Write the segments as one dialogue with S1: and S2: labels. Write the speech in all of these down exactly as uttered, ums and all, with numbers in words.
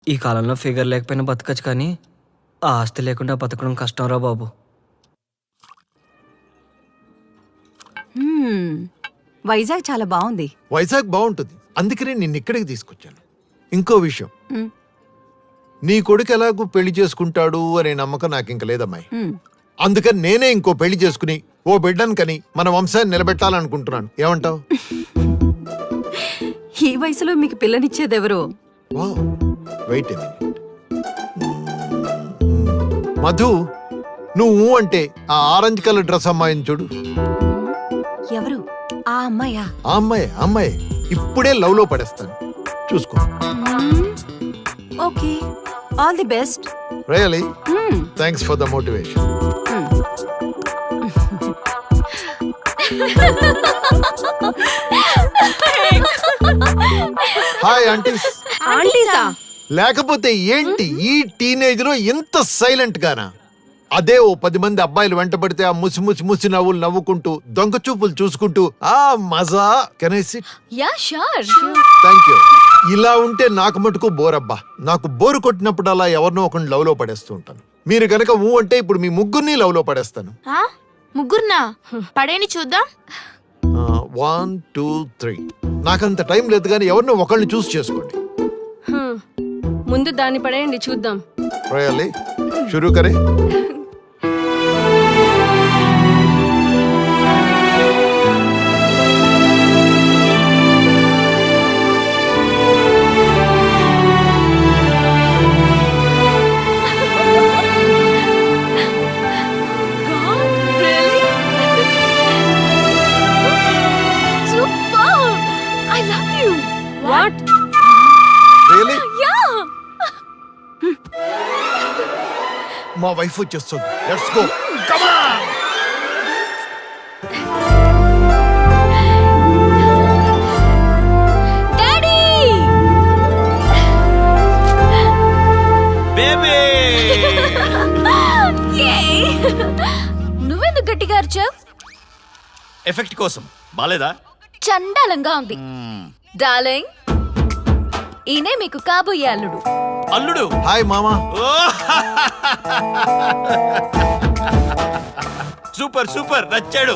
S1: ఈ కాలంలో ఫిగర్ లేకపోయినా బతకచ్చు, కానీ ఆ ఆస్తి లేకుండా బతకడం కష్టం రా బాబు.
S2: హ్మ్, వైజాగ్ చాలా బాగుంది.
S3: వైజాగ్ బాగుంటుంది, అందుకనే నిన్ను ఇక్కడికి తీసుకొచ్చాను. ఇంకో విషయం,
S2: హ్మ్,
S3: నీ కొడుకు ఎలాగూ పెళ్లి చేసుకుంటాడు అనే నమ్మకం నాకు ఇంక లేదమ్మాయి.
S2: హ్మ్.
S3: అందుకని నేనే ఇంకో పెళ్లి చేసుకుని ఓ బిడ్డను కని మన వంశాన్ని నిలబెట్టాలనుకుంటున్నాను. ఏమంటావు?
S2: ఈ వయసులో మీకు పిల్లనిచ్చేదెవరు?
S3: Wow, wait a minute. Madhu, నువ్వు అంటే ఆ ఆరెంజ్ కలర్ డ్రెస్ అమ్మాయిని చూడు.
S2: ఎవరు? ఆ అమ్మాయా?
S3: ఆ అమ్మాయి అమ్మాయి ఇప్పుడే లవ్ లో పడేస్తాను, చూసుకో.
S2: Okay, all the best.
S3: Really thanks for the motivation. Hi aunties.
S2: ఆంటీసా?
S3: లేకపోతే ఏంటి ఈ టీనేజ్ లో ఇంత సైలెంట్ గానా? అదే ఓ పది మంది అబ్బాయిలు వెంట పడితే ఆ ముసి ముసి ముసి నవ్వులు నవ్వుకుంటూ దొంగ చూపులు చూసుకుంటూ ఆ మజా. Can I sit?
S4: Yeah sure.
S3: Thank you. ఇలా ఉంటే నాకు మటుకు బోరబ్బా. నాకు బోరు కొట్టినప్పుడు అలా ఎవరినో ఒకరిని లవ్ లో పడేస్తూ ఉంటాను. మీరు గనక ఊ అంటే ఇప్పుడు మీ ముగ్గురిని లవ్ లో పడేస్తాను.
S4: ముగ్గురునా? పడేని చూద్దాం.
S3: One two three. నాకంత టైం లేదు, కానీ ఎవరినో ఒకరిని చూస్ చేసుకోండి.
S5: ముందు దాన్ని పడేయండి చూద్దాం.
S3: రియల్లీ? షురూ కరే.
S5: వాట్?
S3: రియల్లీ?
S4: యా.
S3: మా వైఫ్ వచ్చేస్తుంది. Let's go. Come on.
S4: Daddy!
S6: Baby!
S4: నువ్వెందుకు గట్టిగా అరిచావ్?
S6: ఎఫెక్ట్ కోసం. బాలేదా?
S4: చండాలంగా ఉంది. డార్లింగ్, ఈయనే మీకు కాబోయే అల్లుడు.
S6: అల్లుడు?
S3: హాయ్ మామా.
S6: సూపర్ సూపర్, నచ్చాడు.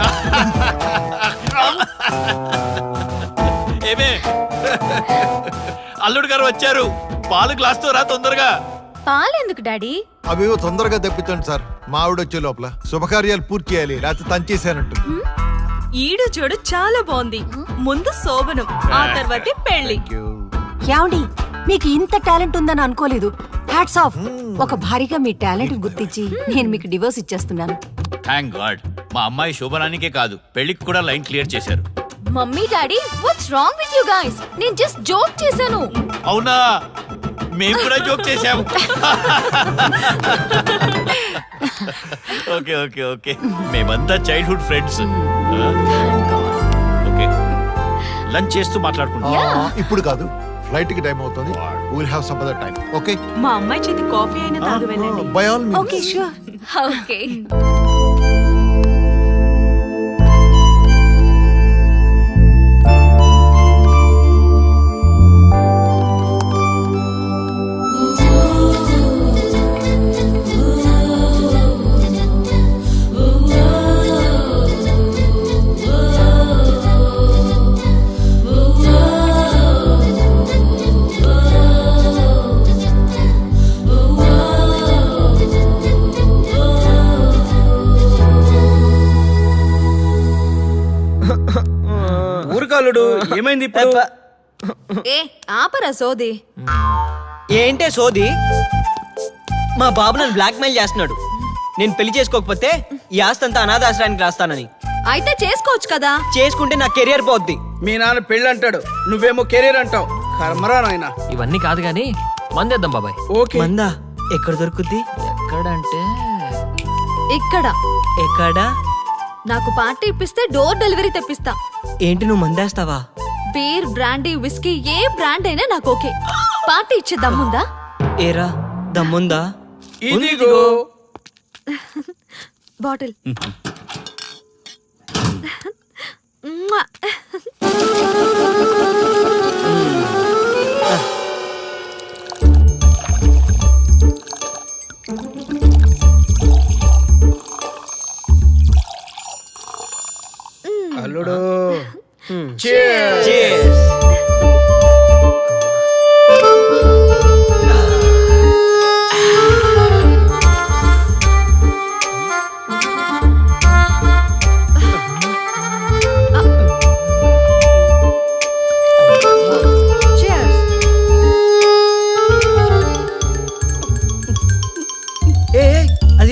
S6: ఏమే, అల్లుడు గారు వచ్చారు. పాలు గ్లాస్ తో రా తొందరగా.
S4: పాలెందుకు డాడీ?
S3: అవేవో తొందరగా తెప్పించండి సార్. మా ఆవిడ వచ్చే లోపల శుభకార్యాలు పూర్తి చేయాలి, లేకపోతే తంచేసానంటు.
S7: ఈడు చూడు చాలా బాగుంది. ముందు శోభనం, ఆ తర్వాతే పెళ్లి.
S2: ఏమండి, మీకు ఇంత టాలెంట్ ఉందని అనుకోలేదు. Hats off. ఒక భారీగా మీ టాలెంట్ గుర్తించి నేను మీకు డివోర్స్ ఇచ్చేస్తున్నాను.
S6: Thank God. మా అమ్మాయి శోభనానికే కాదు, పెళ్లికి కూడా లైన్ క్లియర్ చేశారు.
S4: Mummy daddy, what's wrong with you guys? నేను జస్ట్ జోక్ చేశాను.
S6: అవునా? మేము కూడా జోక్ చేశాము. ఓకే ఓకే ఓకే, మేమంతా చైల్డ్హుడ్ ఫ్రెండ్స్. ఓకే, లంచ్ చేస్తూ మాట్లాడుకుంటాం.
S3: ఇప్పుడు కాదు, ఫ్లైట్ కి టైం అవుతుంది. Will have some other time. Okay?
S7: మా అమ్మాయి చేతి కాఫీ అయినా తాగు వెళ్ళండి.
S3: By all means.
S2: Okay, sure.
S4: Okay.
S1: ఊరుకాలుడు ఏమైంది ఇప్పుడు?
S4: ఏ ఆపరా సోది.
S1: ఏంటే సోది? మా బాబు నన్ను బ్లాక్ మెయిల్ చేస్తున్నాడు. నేను పెళ్లి చేసుకోకపోతే ఈ ఆస్తి అంతా అనాథాశ్రయానికి రాస్తానని.
S4: అయితే చేసుకోవచ్చు కదా.
S1: చేసుకుంటే నా కెరియర్ పోద్ది.
S8: మీ నాన్న పెళ్ళి అంటాడు, నువ్వేమో కెరీర్ అంటావు. కర్మరా నాయన.
S9: ఇవన్నీ కాదు గానీ మందేద్దాం బాబాయ్.
S8: ఓకే.
S1: మందా ఎక్కడ దొరుకుద్ది?
S9: ఎక్కడంటే
S4: ఇక్కడ.
S1: ఎక్కడ?
S4: నాకు పార్టీ ఇప్పిస్తే డోర్ డెలివరీ తెప్పిస్తా.
S1: ఏంటి, నువ్వు మందేస్తావా?
S4: బీర్, బ్రాండీ, విస్కీ ఏ బ్రాండ్ అయినా నాకు ఓకే. పార్టీ ఇచ్చే దమ్ముందా?
S1: ఏరా దమ్ముందా?
S8: ఇదిగో
S4: బాటిల్.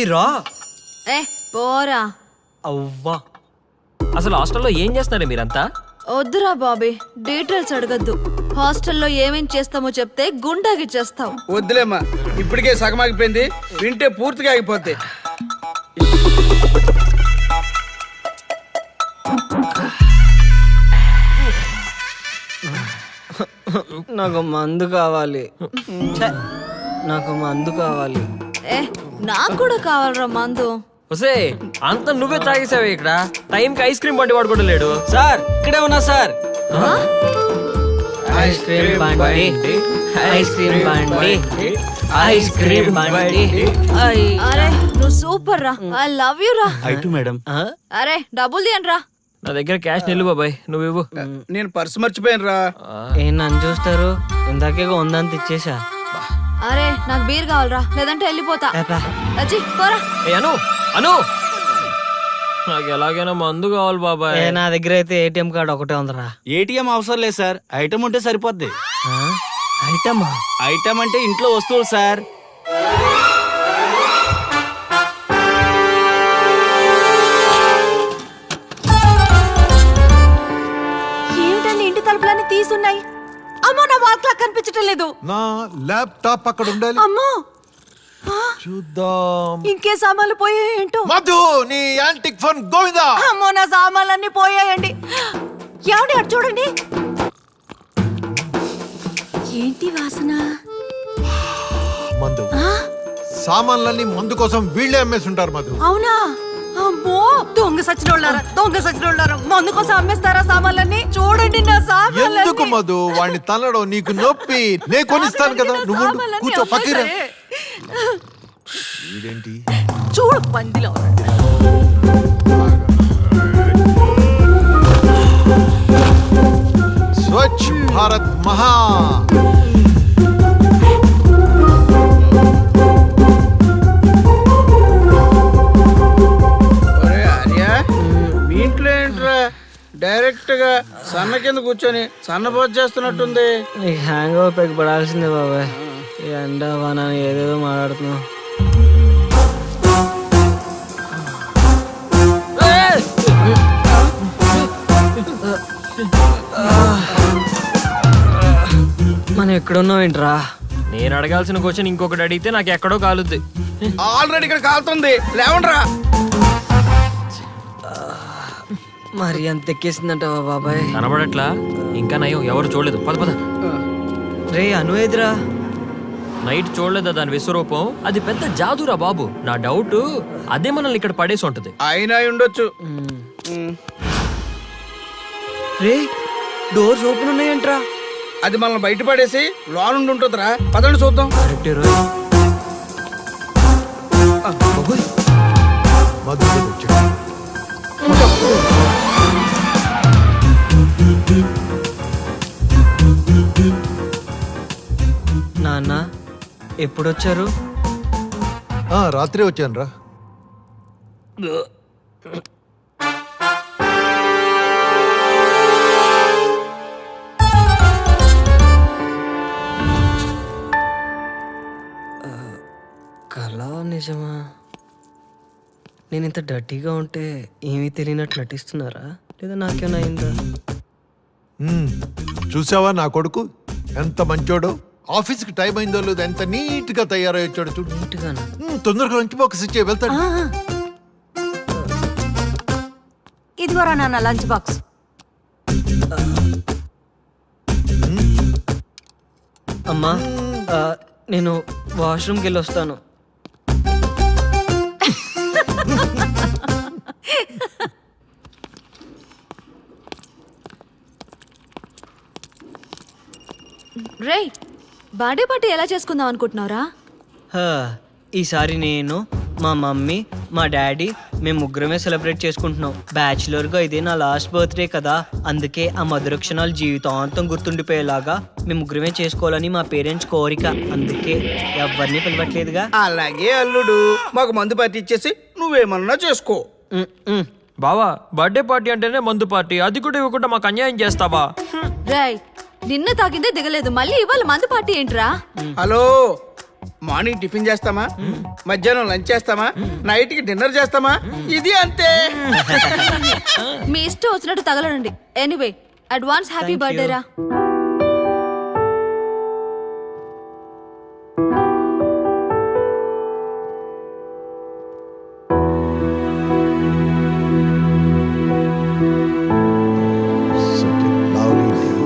S1: రా.
S4: ఏ పోరా.
S1: అవ్వా.
S9: అసలు హాస్టల్లో ఏం చేస్తున్నారే మీరంతా?
S4: వద్దురా బాబీ, డీటెయిల్స్ అడగద్దు. హాస్టల్లో ఏమేం చేస్తామో చెప్తే గుండాగిచ్చేస్తావు.
S8: వద్దులేమ్మా, ఇప్పటికే సగం ఆగిపోయింది, వింటే పూర్తిగా ఆగిపోద్ది.
S1: నాకు మందు కావాలి. ఛే, నాకు మందు కావాలి.
S4: ఏ నాకు కూడా కావాలరా మందు.
S9: వసే అంత నువ్వే తాగేసావే ఇక్కడ. టైంకి ఐస్ క్రీమ్ బండి వాడు కూడా లేడు.
S1: సార్ ఇక్కడే ఉన్నా సార్. ఐస్ క్రీమ్ బండి, ఐస్ క్రీమ్ బండి, ఐస్ క్రీమ్ బండి.
S4: అరే నువ్వు సూపర్ రా, ఐ లవ్ యూ రా.
S1: ఆ?
S4: అరే డబ్బులు తీయండి రా.
S9: నా దగ్గర క్యాష్ నిల్లు బాబాయ్, నువ్వు ఇవ్వు.
S8: నేను పర్సు మర్చిపోయాను రా.
S1: ఏం నన్ను చూస్తారు? ఇందాకేగా ఉందంత ఇచ్చేసా.
S4: అరే నాకు బీర్ కావాలరా, లేదంటే వెళ్ళిపోతా. అచ్చి పోరా.
S9: ఏ అను అను నాకు ఎలాగైనా మందు కావాలి బాబాయ్.
S1: ఏ, నా దగ్గర అయితే ఏటీఎం కార్డు ఒకటే ఉందరా.
S10: ఏటీఎం అవసరం లేదు సార్, ఐటమ్ ఉంటే సరిపోద్ది.
S1: ఆ? ఐటమా?
S10: ఐటమ్ అంటే ఇంట్లో వస్తువులు సార్.
S2: ఏమిటండి ఇంటి తలుపులన్నీ తీసున్నాయి? అమ్మో నా వాల్ క్లాక్ కనిపించటం లేదు.
S3: నా ల్యాప్టాప్ అక్కడ ఉండాలి.
S2: అమ్మో
S3: చూద్దాం.
S2: ఇంకే సామాన్లు పోయాయేంటో.
S3: మధు, నీ యాంటిక్ ఫోన్ గోవిందా.
S2: అమ్మో నా సామాన్లన్నీ పోయాయండి. ఏమండి అటు చూడండి. ఏంటి వాసన?
S3: మందు. సామాన్లన్నీ మందు కోసం వీళ్ళే అమ్మేసి ఉంటారు మధు.
S2: అవునా? అమ్మో దొంగ సచ్చినోళ్ళారా, దొంగ సచ్చినోళ్ళారా, మందు కోసం అమ్మేస్తారా సామాన్లన్నీ? చూడండి నా సామాన్లన్నీ.
S3: ఎందుకు మధు వాడిని తనడం? నీకు నొప్పి, నే కొనిస్తాను కదా. నువ్వు ఉండు.
S2: సామాన్లన్నీ
S3: కూర్చో పక్కన.
S2: అమ్మేశారే.
S3: ఇదేంటి?
S2: చూడు పందిలో
S3: స్వచ్ఛ భారత్ మహా.
S8: ఒరే ఆర్య, మీ ఇంట్లో ఏంట్రా డైరెక్ట్ గా సన్న కింద కూర్చొని సన్నపోతు చేస్తున్నట్టుంది.
S1: నీకు హ్యాంగ్ ఓవర్ పైకి పడాల్సిందే బాబాయ్. ఈ ఎండ వాన ఏదేదో మాట్లాడుతున్నావు. మనం ఎక్కడున్నావు ఏంట్రా?
S9: నేను అడగాల్సిన క్వశ్చన్ ఇంకొకటి అడిగితే నాకు ఎక్కడో కాలుద్ది.
S8: ఆల్రెడీ ఇక్కడ కాలుతుంది, లేవండ్రా.
S1: మరి అంత ఎక్కేసిందంటావా బాబాయ్?
S9: కనబడట్లా? ఇంకా నయం, ఎవరు చూడలేదు. పద పద.
S1: రే అను ఎదురా.
S9: నైట్ చూడలేదా దాని విశ్వరూపం? అది పెద్ద జాదురా బాబు. నా డౌట్ అదే మనల్ని ఇక్కడ పడేసి ఉంటది.
S8: అయినా ఉండొచ్చు.
S1: రే డోర్స్ ఓపెన్ ఉన్నాయంట్రా.
S8: అది మనల్ని బయట పడేసి లోనుండి ఉంటుందిరా. పదండి చూద్దాం.
S1: కరెక్టే రోయ్.
S3: మధు వచ్చాడు.
S1: నాన్న ఎప్పుడొచ్చారు?
S3: ఆ, రాత్రి వచ్చాను రా.
S1: కళ నిజమా? నేను ఇంత డర్టీగా ఉంటే ఏమీ తెలియనట్టు నటిస్తున్నారా, లేదా నాకేమైనా అయిందా?
S3: ఉమ్, చూసావా నా కొడుకు ఎంత మంచోడో. ఆఫీస్కి టైం అయిందో లేదో ఎంత నీట్ గా తయారై వచ్చాడు చూడు.
S1: నీట్గానా?
S3: ఉమ్, తొందరగా లంచ్ బాక్స్ ఇచ్చే వెళ్తాడు.
S2: ఇదిగోరా నాన్న లంచ్ బాక్స్.
S1: అమ్మా ఆ, నేను వాష్రూమ్కి వెళ్ళి వస్తాను.
S4: రే బర్త్డే పార్టీ ఎలా చేసుకుందాం అనుకుంటున్నారా?
S1: హా, ఈసారి నేను, మా మమ్మీ, మా డాడీ మేము ముగ్గురమే సెలబ్రేట్ చేసుకుంటున్నాం. బ్యాచులర్గా ఇదే నా లాస్ట్ బర్త్డే కదా, అందుకే ఆ మధుర క్షణాలు జీవితాంతం గుర్తుండిపోయేలాగా మేము ముగ్గురమే చేసుకోవాలని మా పేరెంట్స్ కోరిక. అందుకే ఎవరిని పిలవట్లేదుగా.
S8: అలాగే అల్లుడు, మాకు మందు పార్టీ ఇచ్చేసి నువ్వేమన్నా చేసుకో.
S1: ఉమ్, ఉమ్.
S9: బావా బర్త్డే పార్టీ అంటేనే మందు పార్టీ, అది కూడా ఇవ్వకుండా మాకు అన్యాయం చేస్తావా?
S4: రేయ్ నిన్న తాగిందే దిగలేదు, మళ్ళీ ఇవాళ మందు పార్టీ ఏంట్రా?
S8: హలో, మార్నింగ్ టిఫిన్ చేస్తామా మధ్యాహ్నం లంచ్ చేస్తామా నైట్ కి డిన్నర్ చేస్తామా ఇది అంతే.
S4: మీ ఇష్టం వచ్చినట్టు తగలడండి. Anyway advance happy
S1: Thank
S4: birthday
S1: you.
S4: రా.
S3: Such a lovely tea.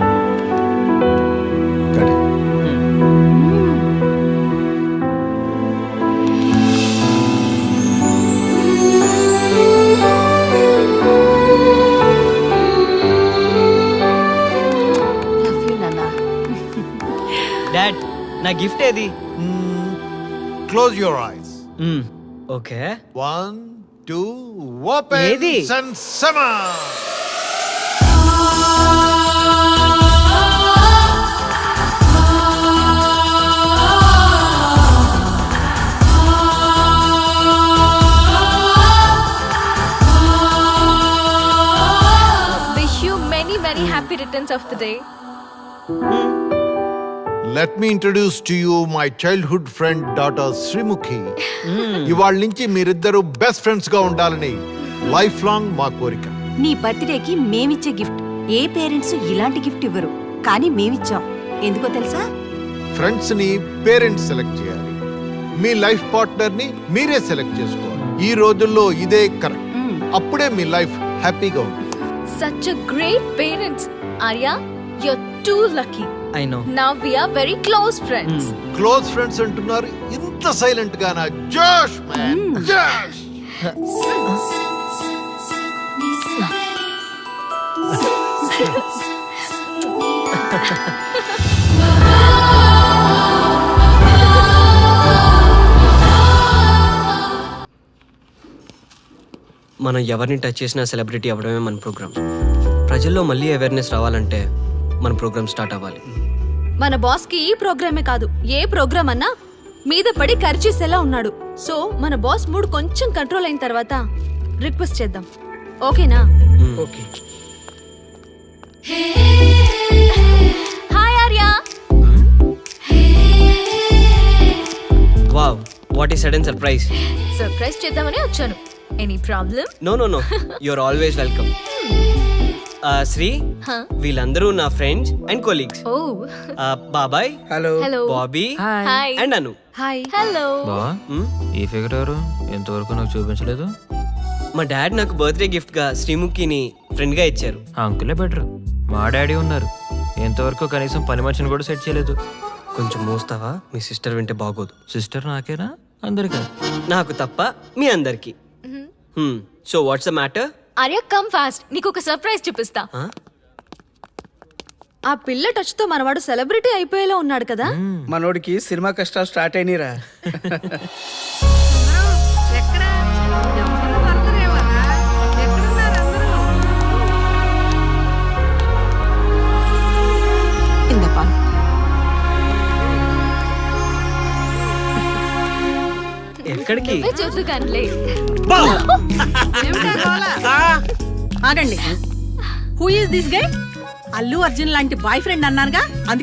S3: Got it.
S2: Love you నాన్న.
S1: డాడ్ నా గిఫ్ట్ ఏది?
S3: Close your eyes.
S1: Hmm, okay.
S3: One, two, open.
S1: ఏది?
S3: And summer.
S5: Wish you many many happy returns of the day.
S3: Let me introduce to you my childhood friend daughter Srimukhi. ఇవాళ నుంచి మీరిద్దరు best friends గా ఉండాలని life long మా కోరిక.
S2: నీ బర్త్డేకి మేమిచ్చే గిఫ్ట్ ఏ పేరెంట్స్ ఇలాంటి గిఫ్ట్ ఇవ్వరు, కానీ మేమిచ్చాం. ఎందుకో తెలుసా?
S3: ఫ్రెండ్స్ ని పేరెంట్స్ సెలెక్ట్ చేయాలి, మీ లైఫ్ పార్ట్నర్ ని మీరే సెలెక్ట్ చేసుకోవాలి. ఈ రోజుల్లో ఇదే కరెక్ట్. అప్పుడే మీ లైఫ్ హ్యాపీగా ఉంటుంది.
S5: Such a great parents. Arya, you're too lucky.
S1: I know.
S5: Now we are very close friends.
S3: Close friends అంటున్నారు, ఇంత సైలెంట్ గానా? జోష్ మ్యాన్, జోష్.
S11: మనం ఎవరిని టచ్ చేసినా సెలబ్రిటీ అవ్వడమే మన ప్రోగ్రామ్. ప్రజల్లో మళ్ళీ అవేర్నెస్ రావాలంటే మన ప్రోగ్రామ్ స్టార్ట్ అవ్వాలి.
S4: మన బాస్ కి ఈ ప్రోగ్రామే కాదు, ఏ ప్రోగ్రామ్ అన్నా మీద పడి ఖర్చేసేలా ఉన్నాడు. సో మన బాస్ మూడ్ కొంచెం కంట్రోల్ అయిన తర్వాత రిక్వెస్ట్ చేద్దాం. ఓకేనా?
S8: Okay.
S5: Hi Arya.
S11: Wow, what ఈ సడన్ సర్ప్రైజ్.
S5: సర్ప్రైజ్ చేద్దామని వచ్చాను. Any problem?
S11: No no no, you're always welcome. Sri,
S5: Huh?
S11: వీళ్ళందరూ నా ఫ్రెండ్స్ అండ్ కొలీగ్స్.
S5: Oh.
S11: బాబాయ్,
S8: hello.
S5: Hello.
S11: Bobby
S5: Hi.
S11: And Anu.
S4: Hi.
S5: Hello.
S9: బా, ఈ ఫిగర్ ఎవరు? ఎంతవరకు నాకు చూపించలేదు.
S11: మా డాడ్ నాకు బర్త్డే గిఫ్ట్ గా శ్రీముఖిని ఫ్రెండ్ గా ఇచ్చారు.
S9: ఆ అంకులే బెటర్. మా డాడీ ఉన్నారు, ఎంతవరకు కనీసం పని మనిషిని కూడా సెట్ చేయలేదు.
S11: కొంచెం మోస్తావా? మీ సిస్టర్ వింటే బాగోదు.
S9: సిస్టర్ నాకేనా అందరికా?
S11: నాకు తప్ప మీ అందరికి. So what's the matter?
S5: Arya, come fast. నీకు ఒక సర్ప్రైజ్ చూపిస్తా.
S4: ఆ పిల్ల టచ్ తో మనవాడు సెలబ్రిటీ అయిపోయేలా ఉన్నాడు కదా.
S8: మనోడికి సినిమా కష్టాలు స్టార్ట్ అయినరా.
S2: ఇందప్పా
S11: ఎక్కడికి?
S5: నువ్వే చూసు కనులే.
S7: ఆగండి. Who is this guy? Allu Arjun లాంటి బాయ్ ఫ్రెండ్ అన్నానుగా, అందుకే